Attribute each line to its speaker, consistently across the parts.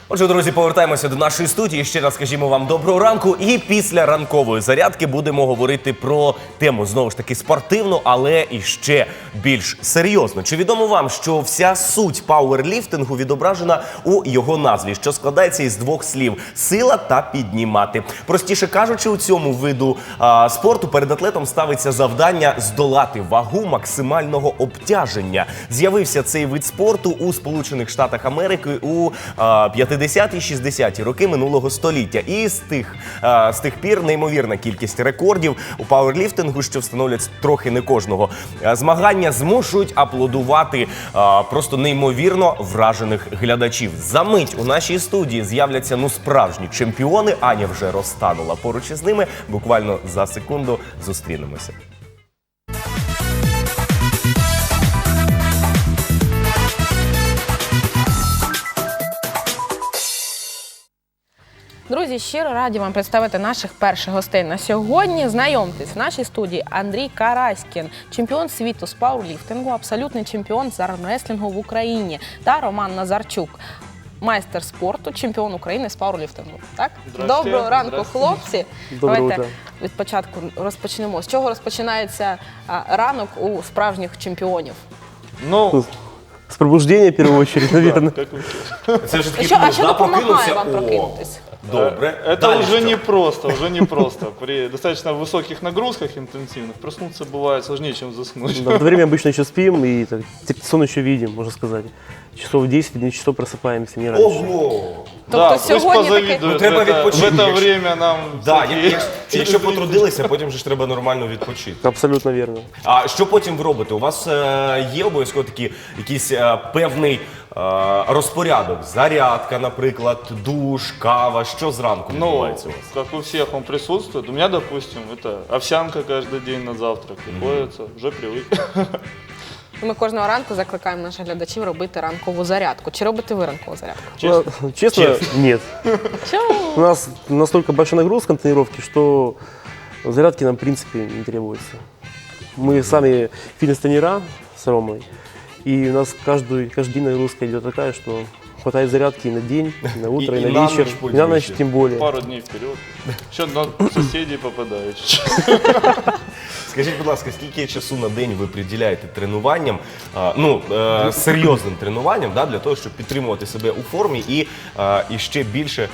Speaker 1: Отже, друзі, повертаємося до нашої студії. Ще раз скажімо вам доброго ранку. І після ранкової зарядки будемо говорити про тему, знову ж таки, спортивну, але і ще більш серйозно. Чи відомо вам, що вся суть пауерліфтингу відображена у його назві, що складається із двох слів – сила та піднімати. Простіше кажучи, у цьому виду спорту перед атлетом ставиться завдання здолати вагу максимального обтяження. З'явився цей вид спорту у Сполучених Штатах Америки у 50-60-ті роки минулого століття. І з тих пір неймовірна кількість рекордів у пауерліфтингу, що встановлять трохи не кожного. Змагання змушують аплодувати просто неймовірно вражених глядачів. Замить у нашій студії з'являться справжні чемпіони. Аня вже розтанула поруч із ними. Буквально за секунду зустрінемося.
Speaker 2: Друзі, щиро раді вам представити наших перших гостей на сьогодні. Знайомтесь, в нашій студії Андрій Караськін, чемпіон світу з пауерліфтингу, абсолютний чемпіон з армреслінгу в Україні, та Роман Назарчук, майстер спорту, чемпіон України з пауерліфтингу. Так? Доброго ранку, хлопці. Давайте від початку розпочнемо. З чого розпочинається ранок у справжніх чемпіонів?
Speaker 3: С пробуждения, в первую очередь, наверное.
Speaker 1: Це ж таки
Speaker 2: А що допомагає вам прокинутися?
Speaker 1: Добре.
Speaker 4: Это уже непросто. При достаточно высоких нагрузках интенсивных проснуться бывает сложнее, чем заснуть.
Speaker 3: Да, в это время обычно еще спим и так, сон еще видим, можно сказать. Часов 10, 11 часов просыпаемся, не раньше.
Speaker 1: Ого!
Speaker 4: Да,
Speaker 2: Тобто
Speaker 4: пусть
Speaker 2: сьогодні
Speaker 4: позавидуют.
Speaker 1: треба
Speaker 4: В
Speaker 1: відпочити,
Speaker 4: это время нам...
Speaker 1: Якщо потрудилися, потім же ж треба нормально відпочити.
Speaker 3: Абсолютно верно.
Speaker 1: А що потім ви робите? У вас є обов'язково такий якийсь певний розпорядок? Зарядка, наприклад, душ, кава. Що зранку
Speaker 4: Ну,
Speaker 1: відбувається у вас?
Speaker 4: как у всех он присутствует. У меня, допустим, это овсянка каждый день на завтрак. Приходится, уже привык.
Speaker 2: Ми кожного ранку закликаємо наших глядачів робити ранкову зарядку. Чи робите ви ранкову зарядку?
Speaker 3: Честно, нет.
Speaker 2: Чому?
Speaker 3: У нас настолько большая нагрузка на тренировке, что зарядки нам, в принципе, не требуется. Мы сами фитнес-тренера с Ромой, и у нас каждый день нагрузка идет такая, что хватает зарядки и на день, и на утро, и на
Speaker 1: на
Speaker 3: вечер,
Speaker 1: ночь
Speaker 3: и на ночь
Speaker 1: пользуешься.
Speaker 3: тем более.
Speaker 4: Пару дней вперед. Еще на соседей попадаю.
Speaker 1: Скажіть, будь ласка, скільки часу на день ви приділяєте тренуванням, серйозним тренуванням, для того, щоб підтримувати себе у формі і ще більше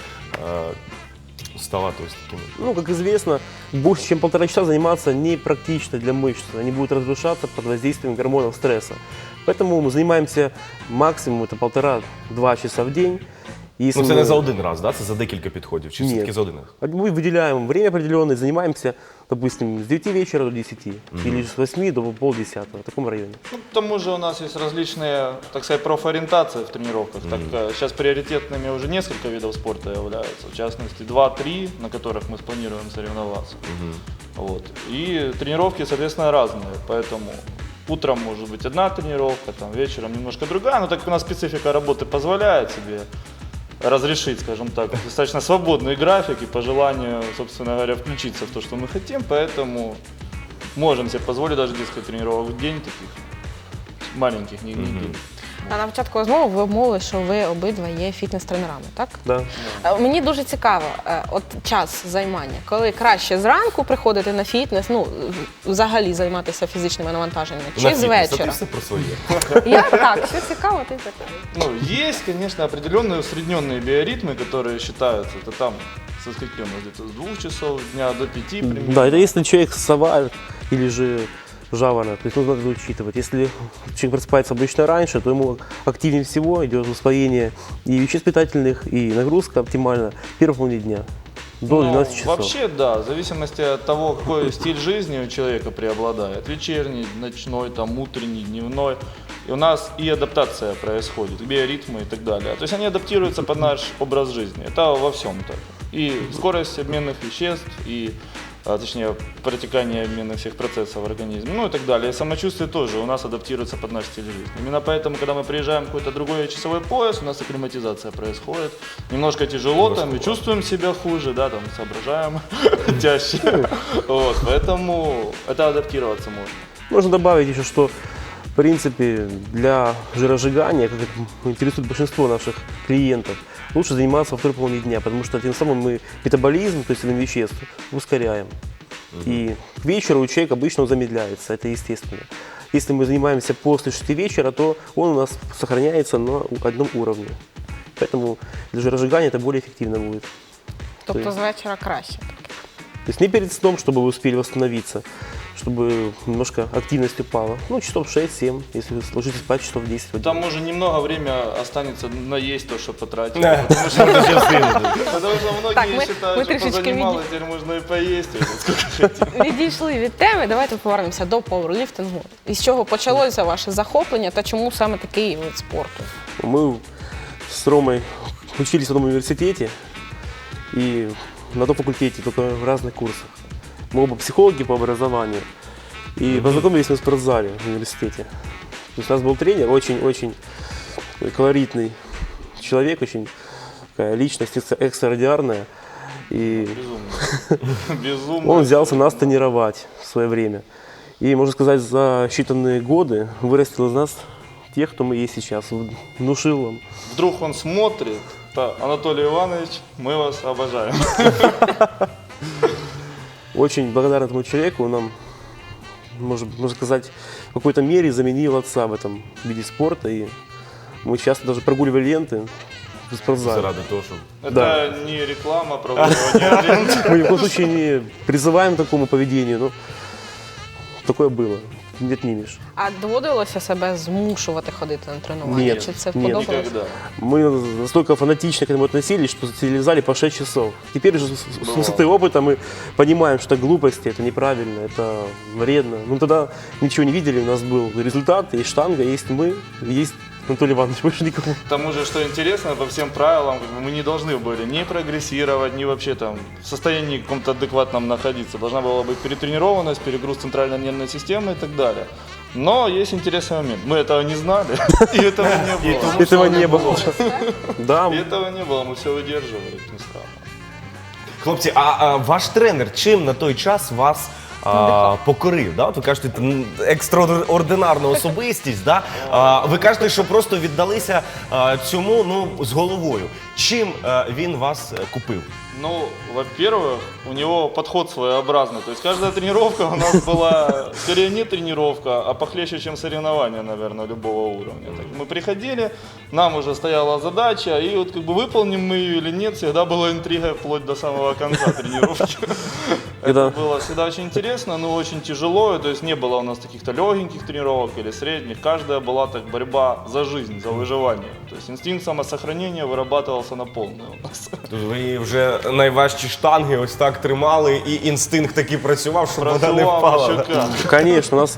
Speaker 1: ставати ось такими?
Speaker 3: Как известно, больше чем 1,5 часа заниматься не практично для мышц. Они будут разрушаться под воздействием гормонов стресса. Поэтому мы занимаемся максимум это 1,5-2 часа в день. Если
Speaker 1: Це
Speaker 3: мы-
Speaker 1: не за один раз, це за декілька підходів, чи все-таки
Speaker 3: Нет.
Speaker 1: за один раз?
Speaker 3: Мы выделяем время определенное, занимаемся, допустим, с 9 вечера до 10 или с 8 до полдесятого, в таком районе.
Speaker 4: К тому же у нас есть различные, так сказать, профориентации в тренировках. Сейчас приоритетными уже несколько видов спорта являются. В частности, 2-3, на которых мы спланируем соревноваться. Вот. И тренировки, соответственно, разные. Поэтому утром может быть одна тренировка, вечером немножко другая. Но так как у нас специфика работы позволяет себе разрешить, скажем так, достаточно свободный график и по желанию, собственно говоря, включиться в то, что мы хотим, поэтому можем себе позволить даже несколько тренировок в день, таких маленьких, не длинных.
Speaker 2: А на початку розмови ви обмовили, що ви обидва є фітнес-тренерами, так?
Speaker 3: Да.
Speaker 2: Мені дуже цікаво, от час займання, коли краще зранку приходити на фітнес, взагалі займатися фізичними навантаженнями, чи з
Speaker 1: Ти
Speaker 2: вечора?
Speaker 1: все про своє.
Speaker 2: Я так, що цікаво, ти так.
Speaker 4: Есть, конечно, определенные усредненные биоритмы, которые считаются, это там со скольки у нас где-то с 2 часов дня до 5 примерно.
Speaker 3: Да, это если человек сова или же жаворонок, то есть нужно это учитывать. Если человек просыпается обычно раньше, то ему активнее всего идет усвоение и веществ питательных, и нагрузка оптимальна в первой половине дня. До 12 часов.
Speaker 4: Вообще, да, в зависимости от того, какой стиль жизни у человека преобладает. Вечерний, ночной, утренний, дневной. И у нас и адаптация происходит, и биоритмы и так далее. То есть они адаптируются под наш образ жизни. Это во всем так. И скорость обменных веществ, и точнее, протекание обмена всех процессов в организме, и так далее. И самочувствие тоже у нас адаптируется под наш стиль жизни. Именно поэтому, когда мы приезжаем в какой-то другой часовой пояс, у нас акклиматизация происходит. Немножко тяжело, и чувствуем себя хуже, соображаем чаще. Поэтому это адаптироваться можно.
Speaker 3: Можно добавить еще, что В принципе, для жиросжигания, как это интересует большинство наших клиентов, лучше заниматься во второй половине дня, потому что тем самым мы метаболизм, то есть обмен веществ, ускоряем. И к вечеру у человека обычно он замедляется, это естественно. Если мы занимаемся после 6 вечера, то он у нас сохраняется на одном уровне. Поэтому для жиросжигания это более эффективно будет.
Speaker 2: Тобто з вечора краще.
Speaker 3: То есть не перед сном, чтобы вы успели восстановиться, чтобы немножко активность упала. Ну, часов 6-7, если вы ложитесь спать, часов 10.
Speaker 4: Там уже немного времени останется наесть то, что потратили.
Speaker 1: Да.
Speaker 4: Потому что
Speaker 2: Так,
Speaker 4: многие
Speaker 2: ми
Speaker 4: считают, что
Speaker 2: трішечки
Speaker 4: позанималось, теперь можно и поесть, сколько хотим.
Speaker 2: відійшли від теми. Давайте повернемося до пауерліфтингу. Із чого почалося ваше захоплення та чому саме такий вид спорту?
Speaker 3: Мы с Ромой учились в одном университете и на том факультете, только в разных курсах. Мы оба психологи по образованию и познакомились мы в спортзале в университете. То есть у нас был тренер, очень-очень колоритный человек, очень такая личность экстраординарная. И
Speaker 4: Безумно. Безумно.
Speaker 3: он взялся нас тренировать в свое время. И, можно сказать, за считанные годы вырастил из нас тех, кто мы есть сейчас, внушил нам.
Speaker 4: Вдруг он смотрит, да, Анатолий Иванович, мы вас обожаем.
Speaker 3: Очень благодарен этому человеку, он нам, можно сказать, в какой-то мере заменил отца в этом виде спорта. И мы часто даже прогуливали ленты в спортзале.
Speaker 1: Заради того, щоб
Speaker 4: Это
Speaker 3: Да.
Speaker 4: не реклама, проводная аренда.
Speaker 3: Мы ни в коем случае не призываем к такому поведению, но такое было. Не отнимешь.
Speaker 2: А доводилося себе змушувати ходити на тренування?
Speaker 3: Ні,
Speaker 2: Чи це
Speaker 3: ні.
Speaker 2: подобалося?
Speaker 4: Никогда.
Speaker 3: Мы настолько фанатично к этому относились, что сидели в зале по 6 часов. Теперь же с высоты опыта мы понимаем, что это глупости, это неправильно, это вредно. Ну тогда ничего не видели, у нас был результат, есть штанга, есть мы, есть Анатолий Иванович, больше никого.
Speaker 4: К тому же, что интересно, по всем правилам как бы, мы не должны были ни прогрессировать, ни вообще там в состоянии каком-то адекватном находиться. Должна была быть перетренированность, перегруз центральной нервной системы и так далее. Но есть интересный момент. Мы этого не знали, и этого не было.
Speaker 3: Этого не было. Да,
Speaker 4: И этого не было, мы все выдерживали, как ни странно.
Speaker 1: Хлопці, ваш тренер чим на той час вас покорив? Да? От ви кажете, екстраординарна особистість. Да? Ви кажете, що просто віддалися цьому з головою. Чим він вас купив?
Speaker 4: Ну, во-первых, у него подход своеобразный. То есть каждая тренировка у нас была, скорее не тренировка, а похлеще, чем соревнования, наверное, любого уровня. Так, мы приходили, нам уже стояла задача, и вот как бы выполним мы ее или нет, всегда была интрига вплоть до самого конца тренировки. Это было всегда очень интересно, но очень тяжело. То есть не было у нас каких-то легеньких тренировок или средних. Каждая была так борьба за жизнь, за выживание. То есть инстинкт самосохранения вырабатывался на полную у нас.
Speaker 1: Тож ви вже найважчі штанги ось так тримали, і інстинкт такий працював, щоб вона не впала.
Speaker 4: Еще
Speaker 1: Да?
Speaker 4: как.
Speaker 3: конечно, у нас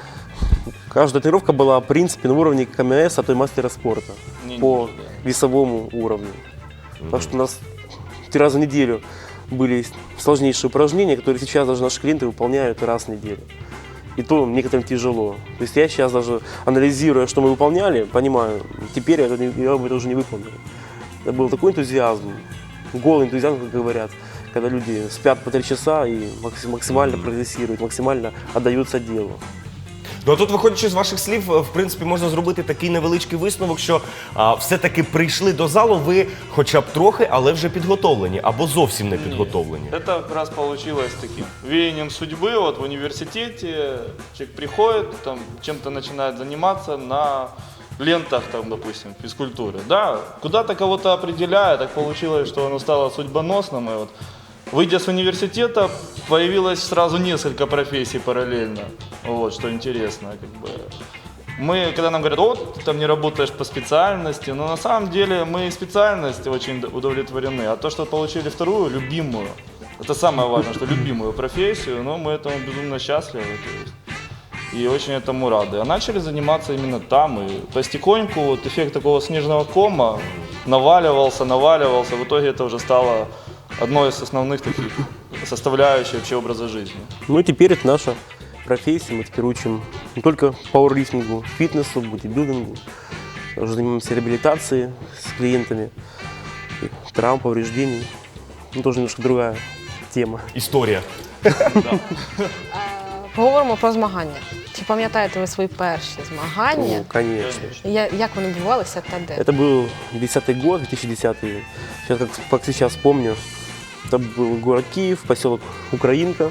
Speaker 3: каждая тренировка была, в принципе, на уровне КМС, а то и мастера спорта
Speaker 4: Не
Speaker 3: по
Speaker 4: ниже, да.
Speaker 3: весовому уровню. Потому что у нас 3 раза в неделю были сложнейшие упражнения, которые сейчас даже наши клиенты выполняют раз в неделю. И то некоторым тяжело. То есть я сейчас даже анализируя, что мы выполняли, понимаю, теперь я бы это уже не выполнил. Это был такой энтузиазм, голый энтузиазм, как говорят, когда люди спят по 3 часа и максимально прогрессируют, максимально отдаются делу.
Speaker 1: Ну, а тут, виходячи з ваших слів, в принципі, можна зробити такий невеличкий висновок, що все-таки прийшли до залу ви хоча б трохи, але вже підготовлені, або зовсім не підготовлені.
Speaker 4: Это как раз получилось таким веянием судьбы. Вот в университете человек приходит, там чем-то начинает заниматься на лентах, там, допустим, физкультуры. Да, куда-то кого-то определяет, так получилось, что оно стало судьбоносным. И вот, выйдя с университета, появилось сразу несколько профессий параллельно. Вот, что интересно, как бы. Мы, когда нам говорят, вот, ты там не работаешь по специальности, но на самом деле мы и специальности очень удовлетворены, а то, что получили вторую, любимую, это самое важное, что любимую профессию, но мы этому безумно счастливы, то есть, и очень этому рады. А начали заниматься именно там, и постепеньку вот эффект такого снежного кома наваливался, в итоге это уже стало одной из основных таких составляющих вообще образа жизни.
Speaker 3: Ну и теперь это наша профессия, мы теперь учим не только пауэрлифтингу, фитнесу, бодибилдингу, уже занимаемся реабилитацией с клиентами, и травм, повреждений. Ну, тоже немножко другая тема.
Speaker 1: Історія.
Speaker 2: Поговоримо про змагання. Чи пам'ятаєте ви свої перші змагання?
Speaker 3: Ну, конечно.
Speaker 2: Як вони відбувалися та де?
Speaker 3: Это был 10-й год, 2010. Сейчас, как сейчас помню, это был город Киев, поселок Украинка.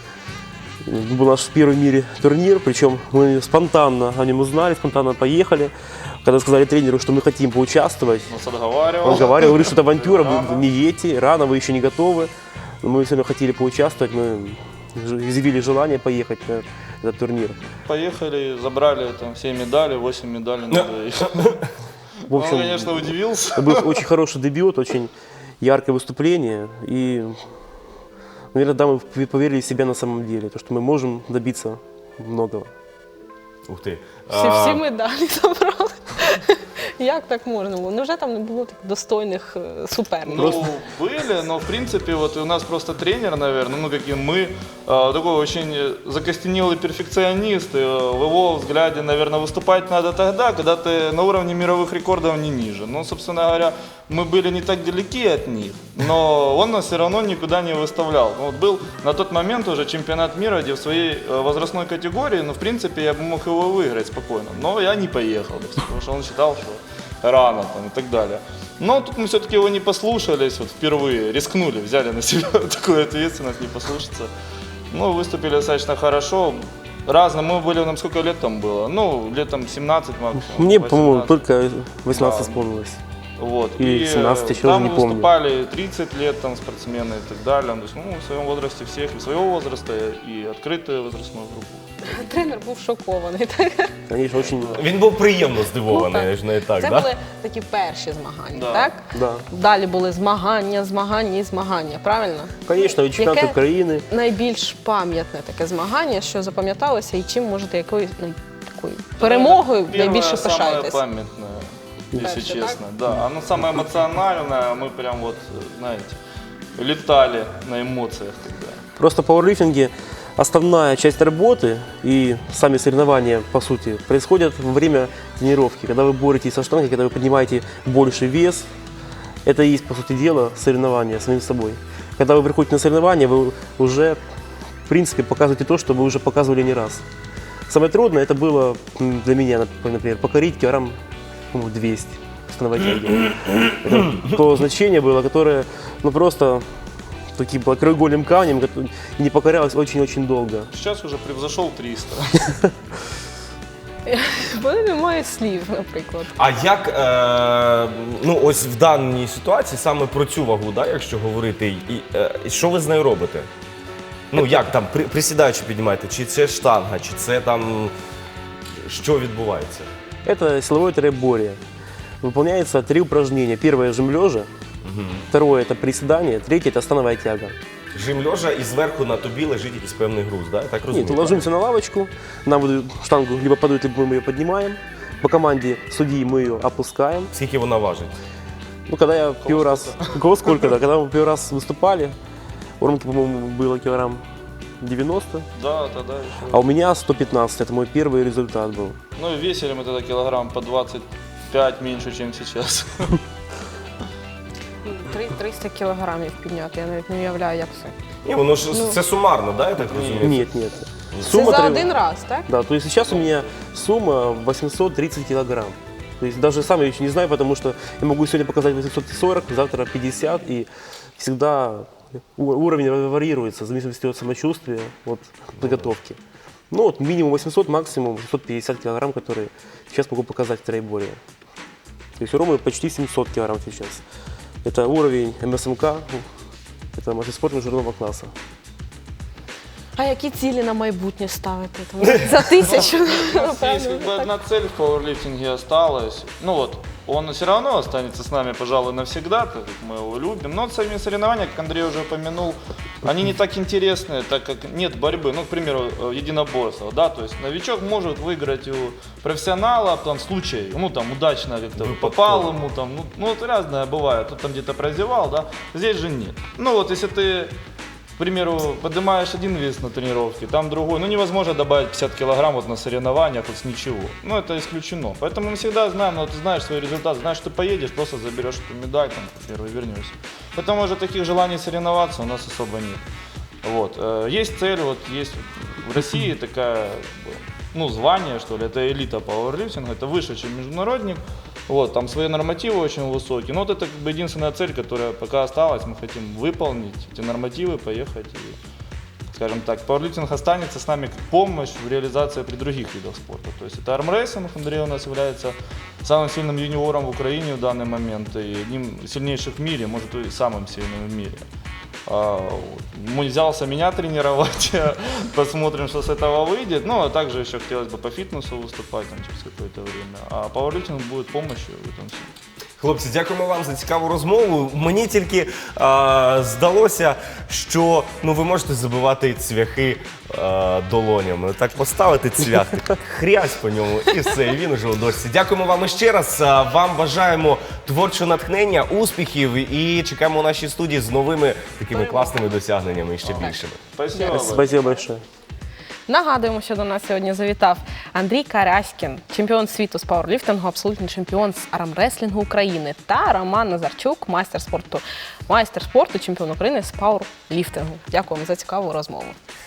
Speaker 3: Был наш первый в мире турнир, причем мы спонтанно о нем узнали, спонтанно поехали. Когда сказали тренеру, что мы хотим поучаствовать,
Speaker 4: Нас отговаривал.
Speaker 3: он говорит, что это авантюра,
Speaker 4: Рано.
Speaker 3: вы не едете, рано, вы еще не готовы. Но мы все равно хотели поучаствовать, мы изъявили желание поехать на этот турнир.
Speaker 4: Поехали, забрали там все медали, 8 медалей. надо.
Speaker 3: В
Speaker 4: Он,
Speaker 3: общем,
Speaker 4: конечно, удивился.
Speaker 3: это был очень хороший дебют, очень яркое выступление. И, наверное, да, мы поверили в себя на самом деле, то, что мы можем добиться многого.
Speaker 1: Ух ти.
Speaker 2: Всі медалі забрали. Як так можна було? Невже там не було так достойних суперників?
Speaker 4: Ну, были, но в принципе, вот у нас просто тренер, наверное, ну, как и мы, такой очень закостенелый перфекционист. И, в его взгляде, наверное, выступать надо тогда, когда ты на уровне мировых рекордов не ниже. Ну, собственно говоря, мы были не так далеки от них, но он нас все равно никуда не выставлял. Ну, вот был на тот момент уже чемпионат мира, где в своей возрастной категории, ну, в принципе, я бы мог его выиграть спокойно. Но я не поехал, потому что он считал, что рано там, и так далее. Но тут мы все-таки его не послушались, вот впервые рискнули, взяли на себя такую ответственность, не послушаться. Ну, выступили достаточно хорошо. Разно, мы были, нам сколько лет там было? Ну, летом 17 максимум.
Speaker 3: Мне,
Speaker 4: 18.
Speaker 3: по-моему, только 18
Speaker 4: Да.
Speaker 3: вспомнилось.
Speaker 4: Вот.
Speaker 3: Или 17, еще
Speaker 4: там
Speaker 3: уже не помню.
Speaker 4: выступали 30 лет там спортсмены и так далее. То есть, ну, в своем возрасте всех, и своего возраста, и открытую возрастную группу.
Speaker 2: Тренер був шокований. Так?
Speaker 3: Конечно, очень...
Speaker 1: Він був приємно здивований,
Speaker 2: Ну,
Speaker 1: аж не так,
Speaker 2: Це
Speaker 1: да?
Speaker 2: були такі перші змагання,
Speaker 4: Да.
Speaker 2: так?
Speaker 3: Да.
Speaker 2: Далі були змагання, змагання і змагання, правильно?
Speaker 3: Конечно, и чемпионат
Speaker 2: Яке
Speaker 3: Украины.
Speaker 2: найбільш пам'ятне таке змагання, що запам'яталося, і чим можете якою такою перемогою
Speaker 4: Первое,
Speaker 2: найбільше
Speaker 4: самое
Speaker 2: пишаєтесь?
Speaker 4: памятное, если
Speaker 2: Дальше,
Speaker 4: честно. Да, оно самое эмоциональное, мы прям вот, знаете, летали на эмоциях тогда.
Speaker 3: Просто в пауэрлифтинге основная часть работы и сами соревнования, по сути, происходят во время тренировки. Когда вы боретесь со штангой, когда вы поднимаете больший вес, это и есть, по сути дела, соревнования с самим собой. Когда вы приходите на соревнования, вы уже, в принципе, показываете то, что вы уже показывали не раз. Самое трудное это было для меня, например, покорить килограмм, по-моему, 200 становой тяги. Это то значение было, которое, ну, просто таким было краеугольным камнем, и не покорялось очень-очень долго.
Speaker 4: Сейчас уже превзошел 300.
Speaker 2: Бо немає слів, наприклад.
Speaker 1: А як, ну ось в даній ситуації саме про цю вагу, да, якщо говорити, і що ви з нею робите? Ну як там, присідаючи піднімаєте, чи це штанга, чи це там, що відбувається?
Speaker 3: Это силовое троеборье. Выполняется 3 упражнения. Первое – жим лежа, второе – это приседание, третье – это становая тяга.
Speaker 1: Жим лежа і зверху на тобі лежить якийсь певний груз, да? Так розумію?
Speaker 3: Нет, ложимся на лавочку, нам выдают штангу либо подают, либо мы ее поднимаем. По команде судьи мы ее опускаем.
Speaker 1: Скільки вона важить?
Speaker 3: Ну, когда я первый раз... У кого сколько, да? Когда мы первый раз выступали, у Ромки, по-моему, было килограмм 90,
Speaker 4: Да, тогда еще.
Speaker 3: а у меня 115. Это мой первый результат был.
Speaker 4: Ну и весили мы тогда килограмм по 25 меньше, чем сейчас.
Speaker 2: 300 кілограмів підняти, я навіть не уявляю, як це.
Speaker 1: Ні, воно ж це сумарно, да, я так розумію?
Speaker 3: Нет, нет.
Speaker 2: Це за
Speaker 3: требует-
Speaker 2: один раз, так?
Speaker 3: Да, то есть сейчас у меня сумма 830 килограмм. То есть даже сам я еще не знаю, потому что я могу сегодня показать 840, завтра 50, и всегда уровень варьируется в зависимости от самочувствия, от подготовки. Ну вот минимум 800, максимум 850 килограмм, которые сейчас могу показать в троеборье. То есть у Ромы почти 700 килограмм сейчас. Это уровень МСМК, это мастер спорта международного класса.
Speaker 2: А які цілі на майбутнє ставити? Там, за 1000,
Speaker 4: У нас есть
Speaker 2: напевно.
Speaker 4: как бы одна цель в пауэрлифтинге осталась. Ну вот, он все равно останется с нами, пожалуй, навсегда, так как мы его любим. Но сами соревнования, как Андрей уже упомянул, они не так интересны, так как нет борьбы. Ну, к примеру, единоборство, да, то есть новичок может выиграть у профессионала, там, случай, ну, там, удачно как-то попал ему, там, ну, вот разное бывает, тут там где-то прозевал, да, здесь же нет. Ну, вот, если ты, к примеру, поднимаешь один вес на тренировке, там другой, ну невозможно добавить 50 килограмм вот на соревнованиях вот с ничего. Ну это исключено. Поэтому мы всегда знаем, ну ты знаешь свой результат, знаешь, что поедешь, просто заберешь эту медаль, там, первый вернешься. Поэтому уже таких желаний соревноваться у нас особо нет. Вот. Есть цель, вот есть в России такая, как бы, ну, звание, что ли, это элита пауэрлифтинга, это выше, чем международник. Вот, там свои нормативы очень высокие. Но вот это как бы единственная цель, которая пока осталась. Мы хотим выполнить эти нормативы, поехать и, скажем так, пауэрлифтинг останется с нами как помощь в реализации при других видах спорта. То есть это армрестлинг, Андрей у нас является самым сильным юниором в Украине в данный момент и одним из сильнейших в мире, может и самым сильным в мире. Взялся меня тренировать, посмотрим, что с этого выйдет. Ну, а также еще хотелось бы по фитнесу выступать там, через какое-то время. А пауэрлифтинг будет помощью в этом всем.
Speaker 1: Хлопці, дякуємо вам за цікаву розмову. Мені тільки здалося, що ви можете забивати цвяхи долонями. Так поставити цвях, так хрясь по ньому і все, і він уже у дошці. Дякуємо вам іще раз. Вам бажаємо творчого натхнення, успіхів і чекаємо у нашій студії з новими такими класними досягненнями і ще більшими.
Speaker 4: Спасибо.
Speaker 3: Спасибо большое.
Speaker 2: Нагадуємо, що до нас сьогодні завітав Андрій Караськін, чемпіон світу з пауерліфтингу, абсолютний чемпіон з армреслінгу України, та Роман Назарчук, майстер спорту, чемпіон України з пауерліфтингу. Дякуємо за цікаву розмову.